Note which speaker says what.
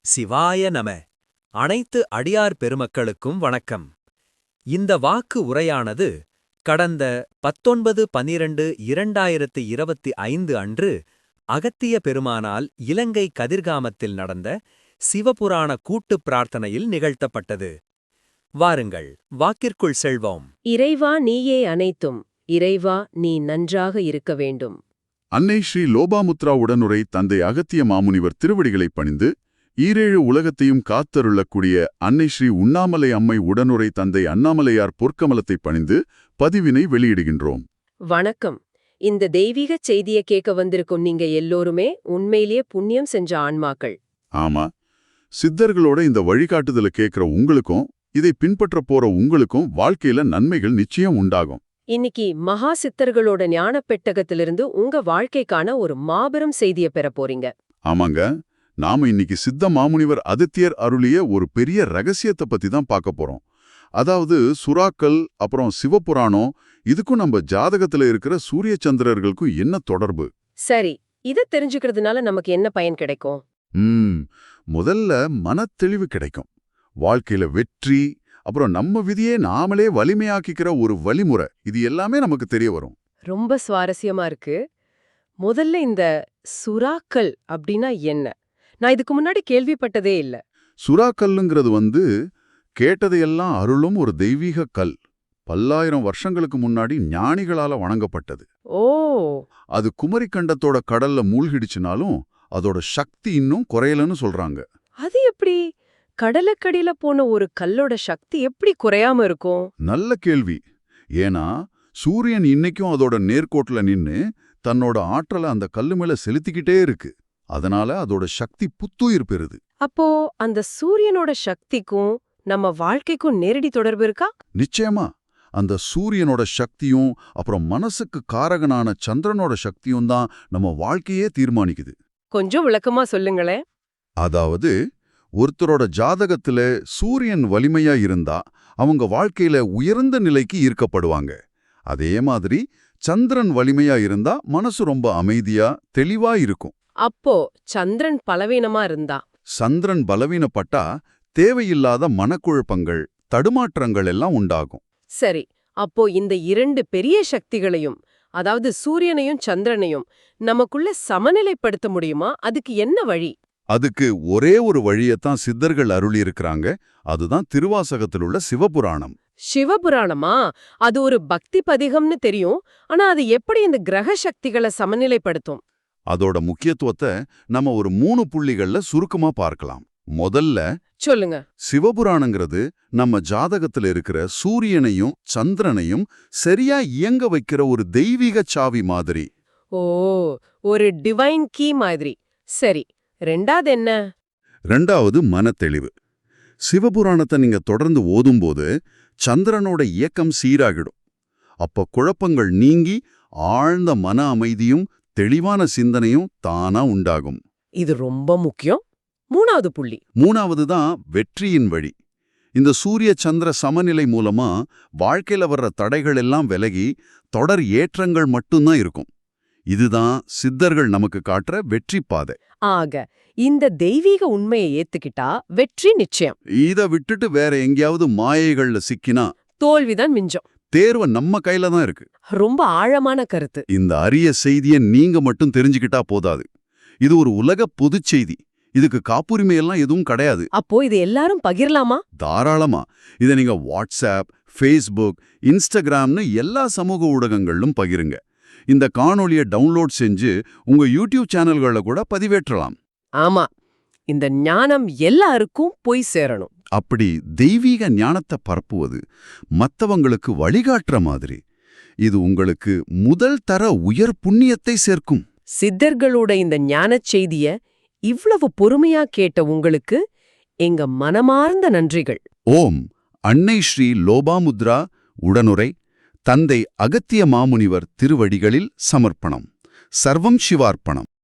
Speaker 1: சிவாய நம. அனைத்து அடியார் பெருமக்களுக்கும் வணக்கம். இந்த வாக்கு உரையானது கடந்த 19/12/2025 அன்று அகத்திய பெருமானால் இலங்கை கதிர்காமத்தில் நடந்த சிவபுராண கூட்டுப் பிரார்த்தனையில் நிகழ்த்தப்பட்டது. வாருங்கள், வாக்கிற்குள் செல்வோம்.
Speaker 2: இறைவா நீயே அனைத்தும், இறைவா நீ நன்றாக இருக்க வேண்டும்.
Speaker 3: அன்னை ஸ்ரீ லோபாமுத்ரா உடனுரை தந்தை அகத்திய மாமுனிவர் திருவடிகளைப் பணிந்து, ஈரேழு உலகத்தையும் காத்தருளக்கூடிய அன்னை ஸ்ரீ உண்ணாமலை அம்மை உடனுரை தந்தை அண்ணாமலையார் பொற்கமலத்தைப் பணிந்து பதிவினை வெளியிடுகின்றோம்.
Speaker 2: வணக்கம். இந்த தெய்வீக செய்தியை கேட்க வந்திருக்கும் நீங்க எல்லோருமே உண்மையிலேயே புண்ணியம் செஞ்ச ஆன்மாக்கள்.
Speaker 3: ஆமா, சித்தர்களோட இந்த வழிகாட்டுதலை கேட்கிற உங்களுக்கும் இதை பின்பற்ற போற உங்களுக்கும் வாழ்க்கையில நன்மைகள் நிச்சயம் உண்டாகும்.
Speaker 2: இன்னைக்கு மகா சித்தர்களோட ஞான பெட்டகத்திலிருந்து உங்க வாழ்க்கைக்கான ஒரு மாபெரும் செய்தியை பெற போறீங்க.
Speaker 3: ஆமாங்க, நாம இன்னைக்கு சித்த மாமுனிவர் அதித்தியர் அருளிய ஒரு பெரிய ரகசியத்தை பத்தி தான் பார்க்க போறோம். அதாவது சுறாக்கள் அப்புறம் சிவபுராணம், இதுக்கும் நம்ம ஜாதகத்துல இருக்கிற சூரிய சந்திரர்களுக்கும் என்ன தொடர்பு?
Speaker 2: சரி, இதை தெரிஞ்சுக்கிறதுனால நமக்கு என்ன பயன் கிடைக்கும்?
Speaker 3: முதல்ல மனத்தெளிவு கிடைக்கும். வாழ்க்கையில வெற்றி, அப்புறம் நம்ம விதியே நாமளே வலிமையாக்கிக்கிற ஒரு வழிமுறை, இது எல்லாமே நமக்கு தெரிய வரும்.
Speaker 2: ரொம்ப சுவாரஸ்யமா இருக்கு. முதல்ல இந்த சுறாக்கள் அப்படின்னா என்ன? நான் இதுக்கு முன்னாடி கேள்விப்பட்டதே இல்ல.
Speaker 3: சுறாக்கல்லுங்கிறது கேட்டதையெல்லாம் அருளும் ஒரு தெய்வீக கல். பல்லாயிரம் வருஷங்களுக்கு முன்னாடி ஞானிகளால வணங்கப்பட்டது.
Speaker 2: ஓ,
Speaker 3: அது குமரிக்கண்டத்தோட கடல்ல மூழ்கிடுச்சுனாலும் அதோட சக்தி இன்னும் குறையலன்னு சொல்றாங்க.
Speaker 2: அது எப்படி? கடலுக்கடியில போன ஒரு கல்லோட சக்தி எப்படி குறையாம இருக்கும்?
Speaker 3: நல்ல கேள்வி. ஏன்னா சூரியன் இன்னைக்கும் அதோட நேர்கோட்டுல நின்னு தன்னோட ஆற்றலை அந்த கல்லு மேல செலுத்திக்கிட்டே இருக்கு. அதனால அதோட சக்தி புத்துயிர் பெறுது.
Speaker 2: அப்போ அந்த சூரியனோட சக்திக்கும் நம்ம வாழ்க்கைக்கும் நேரடி தொடர்பு இருக்கா?
Speaker 3: நிச்சயமா. அந்த சூரியனோட சக்தியும் அப்புறம் மனசுக்கு காரகனான சந்திரனோட சக்தியும் தான் நம்ம வாழ்க்கையே தீர்மானிக்குது.
Speaker 2: கொஞ்சம் விளக்கமா சொல்லுங்களேன்.
Speaker 3: அதாவது ஒருத்தரோட ஜாதகத்துல சூரியன் வலிமையா இருந்தா அவங்க வாழ்க்கையில உயர்ந்த நிலைக்கு ஈர்க்கப்படுவாங்க. அதே மாதிரி சந்திரன் வலிமையா இருந்தா மனசு ரொம்ப அமைதியா தெளிவா இருக்கும்.
Speaker 2: அப்போ சந்திரன் பலவீனமா இருந்தா?
Speaker 3: சந்திரன் பலவீனப்பட்டா தேவையில்லாத மனக்குழப்பங்கள், தடுமாற்றங்கள் எல்லாம் உண்டாகும்.
Speaker 2: சரி, அப்போ இந்த இரண்டு பெரிய சக்திகளையும், அதாவது சூரியனையும் சந்திரனையும் நமக்குள்ள சமநிலைப்படுத்த முடியுமா? அதுக்கு என்ன வழி?
Speaker 3: அதுக்கு ஒரே ஒரு வழியத்தான் சித்தர்கள் அருளி இருக்கிறாங்க. அதுதான் திருவாசகத்தில் உள்ள சிவபுராணம்.
Speaker 2: சிவபுராணமா? அது ஒரு பக்தி பதிகம்னு தெரியும். ஆனா அது எப்படி இந்த கிரக சக்திகளை சமநிலைப்படுத்தும்?
Speaker 3: அதோட முக்கியத்துவத்தை நம்ம ஒரு 3 புள்ளிகள்ல சுருக்கமா பார்க்கலாம். முதல்ல
Speaker 2: சொல்லுங்க.
Speaker 3: சிவபுராணங்கிறது நம்ம ஜாதகத்துல இருக்கிற சூரியனையும் சந்திரனையும் சரியா இயங்க வைக்கிற ஒரு தெய்வீக சாவி மாதிரி.
Speaker 2: ஓ, ஒரு டிவைன் கீ மாதிரி. சரி, ரெண்டாவது என்ன?
Speaker 3: ரெண்டாவது மனத்தெளிவு. சிவபுராணத்தை நீங்க தொடர்ந்து ஓதும்போது சந்திரனோட இயக்கம் சீராகிடும். அப்ப குழப்பங்கள் நீங்கி ஆழ்ந்த மன அமைதியும் தெளிவான சிந்தனையும் தானா உண்டாகும்.
Speaker 2: இது ரொம்ப முக்கியம். மூணாவது புள்ளி.
Speaker 3: மூணாவது தான் வெற்றியின் வழி. இந்த சூரிய சந்திர சமநிலை மூலமா வாழ்க்கையில வர்ற தடைகள் எல்லாம் விலகி தொடர் ஏற்றங்கள் மட்டும்தான் இருக்கும். இதுதான் சித்தர்கள் நமக்கு காட்டுற வெற்றி பாதை.
Speaker 2: ஆக இந்த தெய்வீக உண்மையை ஏத்துக்கிட்டா வெற்றி நிச்சயம்.
Speaker 3: இத விட்டுட்டு வேற எங்கேயாவது மாயைகள்ல சிக்கினா
Speaker 2: தோல்விதான் மிஞ்சம்.
Speaker 3: தேர்வு நம்ம கையில தான் இருக்கு.
Speaker 2: ரொம்ப ஆழமான கருத்து.
Speaker 3: இந்த அரிய செய்தியை நீங்க மட்டும் தெரிஞ்சுக்கிட்டா போதாது. இது ஒரு உலக பொதுச் செய்தி. இதுக்கு காப்புரிமை எல்லாம் எதுவும் கிடையாது.
Speaker 2: அப்போ இது எல்லாரும் பகிரலாமா?
Speaker 3: தாராளமா. இதை நீங்க வாட்ஸ்அப், ஃபேஸ்புக், இன்ஸ்டாகிராம்னு எல்லா சமூக ஊடகங்களிலும் பகிருங்க. இந்த காணொளியை டவுன்லோட் செஞ்சு உங்க யூடியூப் சேனல்களை கூட பதிவேற்றலாம்.
Speaker 2: ஆமா, இந்த ஞானம் எல்லாருக்கும் போய் சேரணும்.
Speaker 3: அப்படி தெய்வீக ஞானத்தை பரப்புவது மத்தவங்களுக்கு வழிகாட்டுற மாதிரி இது உங்களுக்கு முதல் தர உயர் புண்ணியத்தை சேர்க்கும்.
Speaker 2: சித்தர்களோட இந்த ஞானச் செய்திய இவ்வளவு பொறுமையா கேட்ட உங்களுக்கு எங்க மனமார்ந்த நன்றிகள்.
Speaker 3: ஓம் அன்னை ஸ்ரீ லோபாமுத்ரா உடனுரை தந்தை அகத்திய மாமுனிவர் திருவடிகளில் சமர்ப்பணம். சர்வம் சிவார்ப்பணம்.